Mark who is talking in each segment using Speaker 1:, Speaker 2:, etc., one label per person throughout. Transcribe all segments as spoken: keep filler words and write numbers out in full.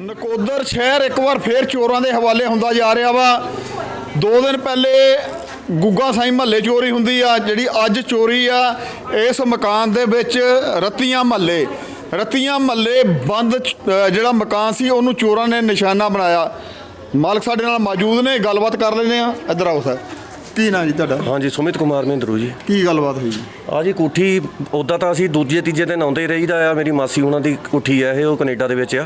Speaker 1: ਨਕੋਦਰ ਸ਼ਹਿਰ ਇੱਕ ਵਾਰ ਫੇਰ ਚੋਰਾਂ ਦੇ ਹਵਾਲੇ ਹੁੰਦਾ ਜਾ ਰਿਹਾ ਵਾ। ਦੋ ਦਿਨ ਪਹਿਲੇ ਗੁੱਗਾ ਸਾਈਂ ਮਹੱਲੇ ਚੋਰੀ ਹੁੰਦੀ ਆ, ਜਿਹੜੀ ਅੱਜ ਚੋਰੀ ਆ ਇਸ ਮਕਾਨ ਦੇ ਵਿੱਚ ਰਤੀਆਂ ਮਹੱਲੇ ਰਤੀਆਂ ਮਹੱਲੇ ਬੰਦ ਜਿਹੜਾ ਮਕਾਨ ਸੀ ਉਹਨੂੰ ਚੋਰਾਂ ਨੇ ਨਿਸ਼ਾਨਾ ਬਣਾਇਆ। ਮਾਲਕ ਸਾਡੇ ਨਾਲ ਮੌਜੂਦ ਨੇ, ਗੱਲਬਾਤ ਕਰ ਲੈਂਦੇ ਆ। ਇੱਧਰ ਆਓ ਸਰ, ਕੀ ਨਾਂ ਜੀ ਤੁਹਾਡਾ?
Speaker 2: ਹਾਂਜੀ, ਸੁਮਿਤ ਕੁਮਾਰ ਮਹਿੰਦਰੂ ਜੀ।
Speaker 1: ਕੀ ਗੱਲਬਾਤ ਹੋਈ ਜੀ?
Speaker 2: ਆ ਜੀ ਕੋਠੀ ਉੱਦਾਂ ਤਾਂ ਅਸੀਂ ਦੂਜੇ ਤੀਜੇ ਦਿਨ ਆਉਂਦੇ ਰਹੀਦਾ ਆ। ਮੇਰੀ ਮਾਸੀ ਉਹਨਾਂ ਦੀ ਕੋਠੀ ਆ ਇਹ, ਉਹ ਕੈਨੇਡਾ ਦੇ ਵਿੱਚ ਆ।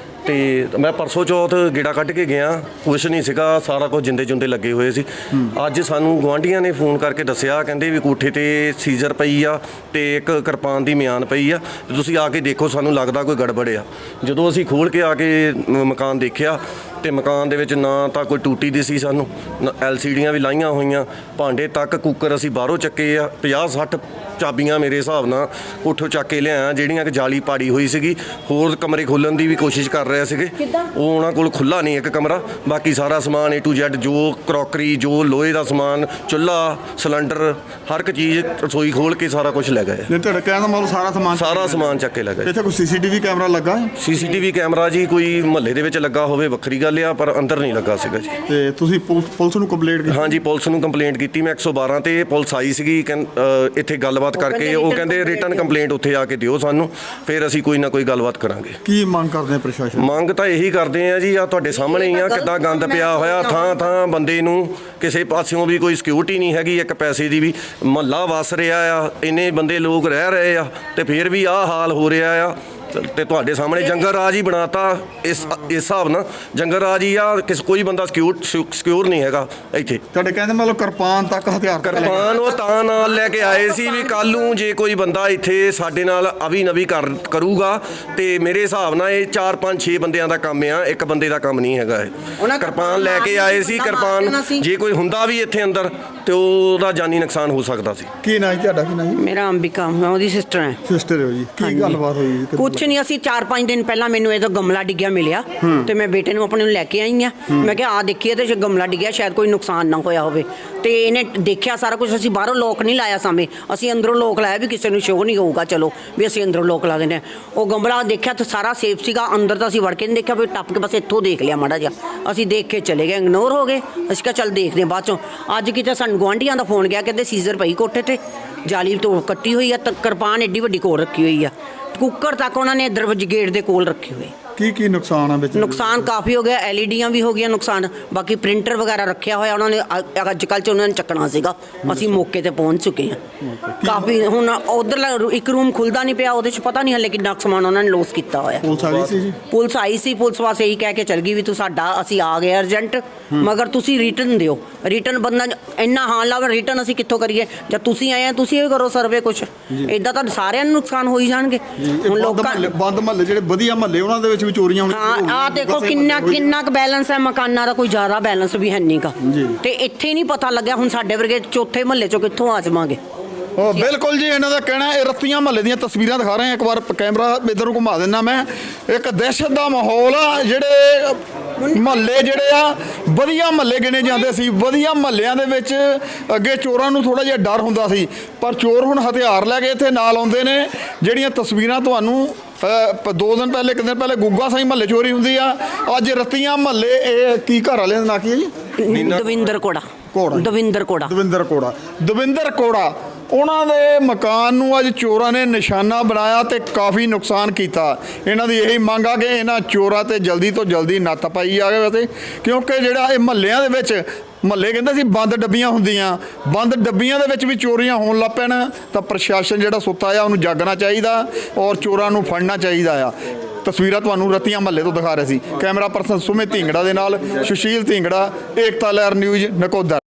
Speaker 2: ਤੇ ਮੈਂ ਪਰਸੋਂ ਚੌਥ ਗੇੜਾ ਕੱਢ ਕੇ ਗਿਆ, ਕੁਛ ਨਹੀਂ ਸੀਗਾ, ਸਾਰਾ ਕੁਝ ਜਿੰਦੇ ਜੁੰਦੇ ਲੱਗੇ ਹੋਏ ਸੀ। ਅੱਜ ਸਾਨੂੰ ਗੁਆਂਢੀਆਂ ਨੇ ਫੋਨ ਕਰਕੇ ਦੱਸਿਆ, ਕਹਿੰਦੇ ਵੀ ਕੋਠੇ ਤੇ ਸੀਜ਼ਰ ਪਈ ਆ ਤੇ ਇੱਕ ਕਿਰਪਾਨ ਦੀ ਮਿਆਨ ਪਈ ਆ, ਤੁਸੀਂ ਆ ਕੇ ਦੇਖੋ, ਸਾਨੂੰ ਲੱਗਦਾ ਕੋਈ ਗੜਬੜ ਆ। ਜਦੋਂ ਅਸੀਂ ਖੋਲ੍ਹ ਕੇ ਆ ਕੇ ਮਕਾਨ ਦੇਖਿਆ ਤੇ ਮਕਾਨ ਦੇ ਵਿੱਚ ਨਾ ਤਾਂ ਕੋਈ ਟੂਟੀ ਦੀ ਸੀ, ਸਾਨੂੰ ਐਲ ਸੀ ਡੀਆਂ ਵੀ ਲਾਈਆਂ ਹੋਈਆਂ, ਭਾਂਡੇ ਤੱਕ ਕੁੱਕਰ ਅਸੀਂ ਬਾਹਰੋਂ ਚੱਕੇ ਆ। ਪੰਜਾਹ ਸੱਠ ਚਾਬੀਆਂ ਮੇਰੇ ਹਿਸਾਬ ਨਾਲ ਕੋਠੋਂ ਚੱਕ ਕੇ ਲਿਆਇਆ, ਜਿਹੜੀਆਂ ਕਿ ਜਾਲੀ ਪਾੜੀ ਹੋਈ ਸੀਗੀ। ਹੋਰ ਕਮਰੇ ਖੋਲ੍ਹਣ ਦੀ ਵੀ ਕੋਸ਼ਿਸ਼ ਕਰ ਰਹੇ ਸੀਗੇ, ਉਹ ਉਹਨਾਂ ਕੋਲ ਖੁੱਲ੍ਹਾ ਨਹੀਂ ਇੱਕ ਕਮਰਾ। ਬਾਕੀ ਸਾਰਾ ਸਮਾਨ ਏ ਟੂ ਜ਼ੈਡ, ਜੋ ਕਰੋਕਰੀ, ਜੋ ਲੋਹੇ ਦਾ ਸਮਾਨ, ਚੁੱਲ੍ਹਾ, ਸਿਲੰਡਰ, ਹਰ ਇੱਕ ਚੀਜ਼, ਰਸੋਈ ਖੋਲ੍ਹ ਕੇ ਸਾਰਾ ਕੁਝ ਲੈ ਗਏ।
Speaker 1: ਜੇ ਤੁਹਾਡਾ ਕਹਿਣ ਦਾ ਮਤਲਬ ਸਾਰਾ ਸਮਾਨ
Speaker 2: ਸਾਰਾ ਸਮਾਨ ਚੱਕ ਕੇ ਲੈ ਗਏ।
Speaker 1: ਇੱਥੇ ਕੋਈ ਸੀ ਸੀ ਟੀ ਵੀ ਕੈਮਰਾ ਲੱਗਾ ਹੈ?
Speaker 2: ਸੀ ਸੀ ਟੀ ਵੀ ਕੈਮਰਾ ਜੀ ਕੋਈ ਮਹੱਲੇ ਦੇ ਵਿੱਚ ਲੱਗਾ ਹੋਵੇ ਵੱਖਰੀ ਗੱਲ ਆ, ਪਰ ਅੰਦਰ ਨਹੀਂ ਲੱਗਾ ਸੀਗਾ ਜੀ।
Speaker 1: ਤੇ ਤੁਸੀਂ ਪੁਲਿਸ ਨੂੰ ਕੰਪਲੇਂਟ ਕੀਤੀ?
Speaker 2: ਹਾਂਜੀ, ਪੁਲਿਸ ਨੂੰ ਕੰਪਲੇਂਟ ਕੀਤੀ ਮੈਂ ਇੱਕ ਸੌ ਬਾਰਾਂ ਤੇ। ਪੁਲਿਸ ਆਈ ਸੀਗੀ, ਇੱਥੇ ਗੱਲਬਾਤ ਕਰਕੇ ਉਹ ਕਹਿੰਦੇ ਰਿਟਨ ਕੰਪਲੇਂਟ ਉੱਥੇ ਆ ਕੇ ਦਿਓ ਸਾਨੂੰ, ਫਿਰ ਅਸੀਂ ਕੋਈ ਨਾ ਕੋਈ ਗੱਲਬਾਤ ਕਰਾਂਗੇ।
Speaker 1: ਕੀ ਮੰਗ ਕਰਦੇ ਆ ਪ੍ਰਸ਼ਾਸਨ?
Speaker 2: ਮੰਗ ਤਾਂ ਇਹੀ ਕਰਦੇ ਆ ਜੀ, ਆ ਤੁਹਾਡੇ ਸਾਹਮਣੇ ਹੀ ਆ ਕਿੱਦਾਂ ਗੰਦ ਪਿਆ ਹੋਇਆ ਥਾਂ ਥਾਂ। ਬੰਦੇ ਨੂੰ ਕਿਸੇ ਪਾਸਿਓਂ ਵੀ ਕੋਈ ਸਿਕਿਉਰਿਟੀ ਨਹੀਂ ਹੈਗੀ, ਇੱਕ ਪੈਸੇ ਦੀ ਵੀ। ਮਹੱਲਾ ਵਸ ਰਿਹਾ ਆ, ਇੰਨੇ ਬੰਦੇ ਲੋਕ ਰਹਿ ਰਹੇ ਆ ਤੇ ਫਿਰ ਵੀ ਆਹ ਹਾਲ ਹੋ ਰਿਹਾ ਆ। ਤੇ ਤੁਹਾਡੇ ਸਾਹਮਣੇ ਜੰਗਲ ਰਾਜ ਹੀ ਬਣਾਤਾ ਇਸ ਇਸ ਹਿਸਾਬ ਨਾਲ। ਜੰਗਲ ਰਾਜ ਹੀ ਆ, ਕਿਸ ਕੋਈ ਬੰਦਾ ਸਿਕਿਉਰ ਸਿਕਿਉਰ ਨਹੀਂ ਹੈਗਾ ਇੱਥੇ।
Speaker 1: ਤੁਹਾਡੇ ਕਹਿੰਦੇ ਮਤਲਬ ਕਿਰਪਾਨ ਤੱਕ ਹਥਿਆਰ?
Speaker 2: ਕਿਰਪਾਨ ਉਹ ਤਾਂ ਨਾਲ ਲੈ ਕੇ ਆਏ ਸੀ ਵੀ ਕੱਲ੍ਹ ਨੂੰ ਜੇ ਕੋਈ ਬੰਦਾ ਇੱਥੇ ਸਾਡੇ ਨਾਲ ਅਵੀ ਨਵੀ ਕਰ ਕਰੂਗਾ ਤੇ ਮੇਰੇ ਹਿਸਾਬ ਨਾਲ ਇਹ ਚਾਰ ਪੰਜ ਛੇ ਬੰਦਿਆਂ ਦਾ ਕੰਮ ਆ, ਇੱਕ ਬੰਦੇ ਦਾ ਕੰਮ ਨਹੀਂ ਹੈਗਾ ਇਹ। ਕਿਰਪਾਨ ਲੈ ਕੇ ਆਏ ਸੀ। ਕਿਰਪਾਨ ਜੇ ਕੋਈ ਹੁੰਦਾ ਵੀ ਇੱਥੇ ਅੰਦਰ ਤੇ ਉਹਦਾ ਜਾਨੀ ਨੁਕਸਾਨ ਹੋ ਸਕਦਾ ਸੀ।
Speaker 1: ਕੀ ਨਾਂ ਜੀ ਤੁਹਾਡਾ? ਕੀ ਨਾਂ ਜੀ?
Speaker 3: ਮੇਰਾ ਅੰਬਿਕਾ, ਮੈਂ ਉਹਦੀ ਸਿਸਟਰ ਹਾਂ।
Speaker 1: ਸਿਸਟਰ ਹੋ ਜੀ? ਕੀ ਗੱਲਬਾਤ ਹੋਈ?
Speaker 3: ਕੁਛ ਨਹੀਂ, ਅਸੀਂ ਚਾਰ ਪੰਜ ਦਿਨ ਪਹਿਲਾਂ ਮੈਨੂੰ ਇਹਦਾ ਗਮਲਾ ਡਿੱਗਿਆ ਮਿਲਿਆ ਤੇ ਮੈਂ ਬੇਟੇ ਨੂੰ ਆਪਣੇ ਨੂੰ ਲੈ ਕੇ ਆਈ ਆ। ਮੈਂ ਕਿਹਾ ਆ ਦੇਖੀਏ ਤੇ ਗਮਲਾ ਡਿੱਗਿਆ, ਸ਼ਾਇਦ ਕੋਈ ਨੁਕਸਾਨ ਨਾ ਹੋਇਆ ਹੋਵੇ। ਤੇ ਇਹਨੇ ਦੇਖਿਆ ਸਾਰਾ ਕੁਝ। ਅਸੀਂ ਬਾਹਰੋਂ ਲੋਕ ਨਹੀਂ ਲਾਇਆ ਸਾਹਮਣੇ, ਅਸੀਂ ਅੰਦਰੋਂ ਲੋਕ ਲਾਇਆ ਵੀ ਕਿਸੇ ਨੂੰ ਸ਼ੋਅ ਨਹੀਂ ਹੋਊਗਾ, ਚਲੋ ਵੀ ਅਸੀਂ ਅੰਦਰੋਂ ਲੋਕ ਲਾ ਦਿੰਦੇ। ਉਹ ਗਮਲਾ ਦੇਖਿਆ ਤਾਂ ਸਾਰਾ ਸੇਫ ਸੀਗਾ, ਅੰਦਰ ਤਾਂ ਅਸੀਂ ਵੜ ਕੇ ਨਹੀਂ ਦੇਖਿਆ, ਵੀ ਟੱਪ ਕੇ ਬਸ ਇੱਥੋਂ ਦੇਖ ਲਿਆ ਮਾੜਾ ਜਿਹਾ। ਅਸੀਂ ਦੇਖ ਕੇ ਚਲੇ ਗਏ, ਇਗਨੋਰ ਹੋ ਗਏ। ਅਸੀਂ ਕਿਹਾ ਚੱਲ ਦੇਖਦੇ ਬਾਅਦ ਚੋਂ। ਅੱਜ ਕਿਤੇ ਸਾਨੂੰ ਗੁਆਂਢੀਆਂ ਦਾ ਫੋਨ ਗਿਆ, ਕਹਿੰਦੇ ਸੀਜ਼ਰ ਪਈ ਕੋਠੇ ਤੇ, ਜਾਲੀ ਤੋਂ ਕੱਟੀ ਹੋਈ ਆ, ਕਿਰਪਾਨ ਐਡੀ ਵੱਡੀ ਕੋਲ ਰੱਖੀ ਹੋਈ ਆ, ਕੁੱਕਰ ਤੱਕ ਉਹਨਾਂ ਨੇ ਦਰਵਾਜ਼ੇ ਗੇਟ ਦੇ ਕੋਲ ਰੱਖੇ ਹੋਏ।
Speaker 1: ਕੀ ਕੀ ਨੁਕਸਾਨ ਆ ਵਿੱਚ?
Speaker 3: ਨੁਕਸਾਨ ਕਾਫੀ ਹੋ ਗਿਆ, ਐਲ ਈ ਡੀਆਂ ਵੀ ਹੋ ਗਈਆਂ ਨੁਕਸਾਨ। ਬਾਕੀ ਪ੍ਰਿੰਟਰ ਵਗੈਰਾ ਰੱਖਿਆ ਹੋਇਆ ਉਹਨਾਂ ਨੇ, ਅੱਜ ਕੱਲ੍ਹ 'ਚ ਉਹਨਾਂ ਨੇ ਚੱਕਣਾ ਸੀਗਾ। ਅਸੀਂ ਮੌਕੇ 'ਤੇ ਪਹੁੰਚ ਚੁੱਕੇ ਹਾਂ ਕਾਫੀ। ਹੁਣ ਉੱਧਰਲਾ ਇੱਕ ਰੂਮ ਖੁੱਲ੍ਹਦਾ ਨਹੀਂ ਪਿਆ, ਉਹਦੇ 'ਚ ਪਤਾ ਨਹੀਂ ਹਲੇ ਕਿੰਨਾ ਸਮਾਨ ਉਹਨਾਂ ਨੇ ਲੋਸ ਕੀਤਾ ਹੋਇਆ।
Speaker 1: ਪੁਲਿਸ ਆਈ ਸੀ ਜੀ?
Speaker 3: ਪੁਲਿਸ ਆਈ ਸੀ। ਪੁਲਿਸ ਵਾਸਤੇ ਇਹੀ ਕਹਿ ਕੇ ਚੱਲ ਗਈ ਵੀ ਤੂੰ ਸਾਡਾ, ਅਸੀਂ ਆ ਗਏ ਅਰਜੈਂਟ, ਮਗਰ ਤੁਸੀਂ ਰਿਟਰਨ ਦਿਓ। ਰਿਟਰਨ ਬੰਦਾ ਇੰਨਾ ਹਾਲ ਲਾਵੇ, ਰਿਟਰਨ ਅਸੀਂ ਕਿੱਥੋਂ ਕਰੀਏ? ਜਦ ਤੁਸੀਂ ਆਏ ਆ ਤੁਸੀਂ ਇਹ ਕਰੋ ਸਰਵੇ ਕੁਛ। ਇੱਦਾਂ ਤਾਂ ਸਾਰਿਆਂ ਨੂੰ ਨੁਕਸਾਨ ਹੋ ਹੀ ਜਾਣਗੇ। ਹੁਣ ਲੋਕਾਂ
Speaker 1: ਬੰਦ ਮਹੱਲੇ ਜਿਹੜੇ ਵਧੀਆ ਮਹੱਲੇ ਉਹਨਾਂ ਦੇ ਵਿੱਚ ਵੀ ਚੋਰੀਆਂ ਹੋਣੀਆਂ।
Speaker 3: ਹਾਂ, ਆਹ ਦੇਖੋ ਕਿੰਨਾ ਕਿੰਨਾ ਕੁ ਬੈਲੈਂਸ ਹੈ ਮਕਾਨਾਂ ਦਾ, ਕੋਈ ਜ਼ਿਆਦਾ ਬੈਲੈਂਸ ਵੀ ਹੈ ਨਹੀਂ ਗਾ। ਤੇ ਇੱਥੇ ਨਹੀਂ ਪਤਾ ਲੱਗਿਆ, ਹੁਣ ਸਾਡੇ ਵਰਗੇ ਚੌਥੇ ਮਹੱਲੇ 'ਚੋਂ ਕਿੱਥੋਂ ਆ ਜਾਵਾਂਗੇ?
Speaker 1: ਉਹ ਬਿਲਕੁਲ ਜੀ, ਇਹਨਾਂ ਦਾ ਕਹਿਣਾ ਇਹ ਰਤੀਆਂ ਮਹੱਲੇ ਦੀਆਂ ਤਸਵੀਰਾਂ ਦਿਖਾ ਰਹੇ ਹਾਂ। ਇੱਕ ਵਾਰ ਕੈਮਰਾ ਇੱਧਰ ਨੂੰ ਘੁਮਾ ਦਿੰਦਾ ਮੈਂ। ਇੱਕ ਦਹਿਸ਼ਤ ਦਾ ਮਾਹੌਲ ਆ। ਜਿਹੜੇ ਮਹੱਲੇ ਜਿਹੜੇ ਆ ਵਧੀਆ ਮਹੱਲੇ ਗਿਣੇ ਜਾਂਦੇ ਸੀ, ਵਧੀਆ ਮਹੱਲਿਆਂ ਦੇ ਵਿੱਚ ਅੱਗੇ ਚੋਰਾਂ ਨੂੰ ਥੋੜ੍ਹਾ ਜਿਹਾ ਡਰ ਹੁੰਦਾ ਸੀ, ਪਰ ਚੋਰ ਹੁਣ ਹਥਿਆਰ ਲੈ ਕੇ ਇੱਥੇ ਨਾਲ ਆਉਂਦੇ ਨੇ। ਜਿਹੜੀਆਂ ਤਸਵੀਰਾਂ ਤੁਹਾਨੂੰ ਦੋ ਦਿਨ ਪਹਿਲੇ ਇੱਕ ਦਿਨ ਪਹਿਲੇ ਗੁੱਗਾ ਸਾਈਂ ਮਹੱਲੇ ਚੋਰੀ ਹੁੰਦੀ ਆ, ਅੱਜ ਰਤੀਆਂ ਮਹੱਲੇ। ਇਹ ਕੀ ਘਰ ਵਾਲਿਆਂ ਦਾ ਨਾਂ ਕੀ ਹੈ ਜੀ?
Speaker 3: ਦਵਿੰਦਰ ਕੋੜਾ।
Speaker 1: ਕੋੜਾ?
Speaker 3: ਦਵਿੰਦਰ ਕੋੜਾ।
Speaker 1: ਦਵਿੰਦਰ ਕੋੜਾ। ਦਵਿੰਦਰ ਕੋੜਾ ਉਹਨਾਂ ਦੇ ਮਕਾਨ ਨੂੰ ਅੱਜ ਚੋਰਾਂ ਨੇ ਨਿਸ਼ਾਨਾ ਬਣਾਇਆ ਤੇ ਕਾਫੀ ਨੁਕਸਾਨ ਕੀਤਾ। ਇਹਨਾਂ ਦੀ ਇਹੀ ਮੰਗ ਆ ਕਿ ਇਹਨਾਂ ਚੋਰਾਂ ਤੇ ਜਲਦੀ ਤੋਂ ਜਲਦੀ ਨੱਥ ਪਾਈ ਜਾਵੇ, ਤੇ ਕਿਉਂਕਿ ਜਿਹੜਾ ਇਹ ਮਹੱਲਿਆਂ ਦੇ ਵਿੱਚ ਮਹੱਲੇ ਕਹਿੰਦੇ ਸੀ ਬੰਦ ਡੱਬੀਆਂ ਹੁੰਦੀਆਂ, ਬੰਦ ਡੱਬੀਆਂ ਦੇ ਵਿੱਚ ਵੀ ਚੋਰੀਆਂ ਹੋਣ ਲੱਗ ਪੈਣ ਤਾਂ ਪ੍ਰਸ਼ਾਸਨ ਜਿਹੜਾ ਸੁੱਤਾ ਆ ਉਹਨੂੰ ਜਾਗਣਾ ਚਾਹੀਦਾ ਔਰ ਚੋਰਾਂ ਨੂੰ ਫੜਨਾ ਚਾਹੀਦਾ ਆ। ਤਸਵੀਰਾਂ ਤੁਹਾਨੂੰ ਰਤੀਆਂ ਮਹੱਲੇ ਤੋਂ ਦਿਖਾ ਰਹੇ ਸੀ। ਕੈਮਰਾ ਪਰਸਨ ਸੁਮਿਤ ਢਿੰਗੜਾ ਦੇ ਨਾਲ ਸੁਸ਼ੀਲ ਢਿੰਗੜਾ, ਏਕਤਾ ਲਹਿਰ ਨਿਊਜ਼, ਨਕੋਦਰ।